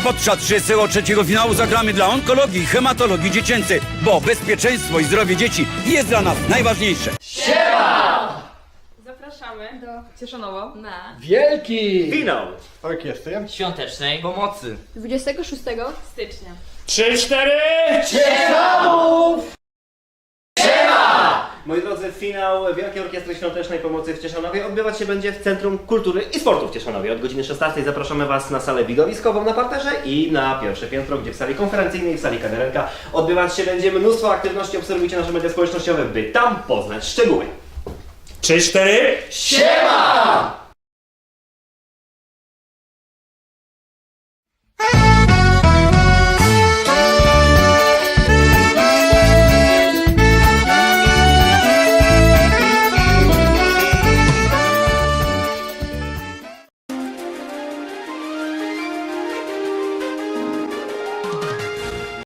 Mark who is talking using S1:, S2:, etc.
S1: podczas 33. finału zagramy dla onkologii i hematologii dziecięcej, bo bezpieczeństwo i zdrowie dzieci jest dla nas najważniejsze.
S2: Zapraszamy do Cieszanowo na
S3: Wielki!
S4: Finał!
S3: Orkiestry.
S5: Świątecznej pomocy.
S2: 26 stycznia.
S3: 3-4!
S4: Moi drodzy, finał Wielkiej Orkiestry Świątecznej Pomocy w Cieszanowie odbywać się będzie w Centrum Kultury i Sportu w Cieszanowie. Od godziny 16 zapraszamy Was na salę widowiskową na parterze i na pierwsze piętro, gdzie w sali konferencyjnej, w sali kawiarenka odbywać się będzie mnóstwo aktywności. Obserwujcie nasze media społecznościowe, by tam poznać szczegóły.
S3: 3-4!
S4: Siema!